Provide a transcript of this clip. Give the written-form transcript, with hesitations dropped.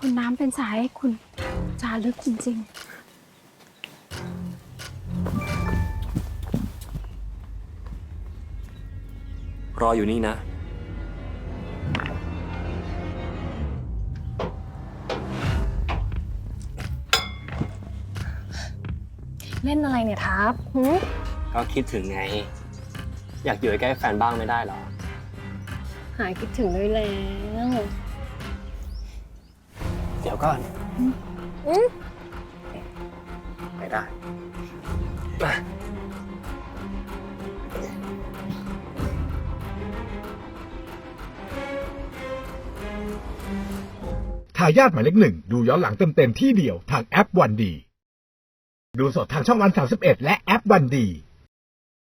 คุณน้ำเป็นสายให้คุณจารึกจริงรออยู่นี่นะเล่นอะไรเนี่ยทับก็คิดถึงไง อยากอยู่ใกล้แฟนบ้างไม่ได้หรอหายคิดถึงด้วยแล้วเดี๋ยวก่อนไม่ได้มาทายาทหมายเลข 1ดูย้อนหลังเต็มๆที่เดียวทางแอปวันดีดูสดทางช่องวัน31และแอปวันดี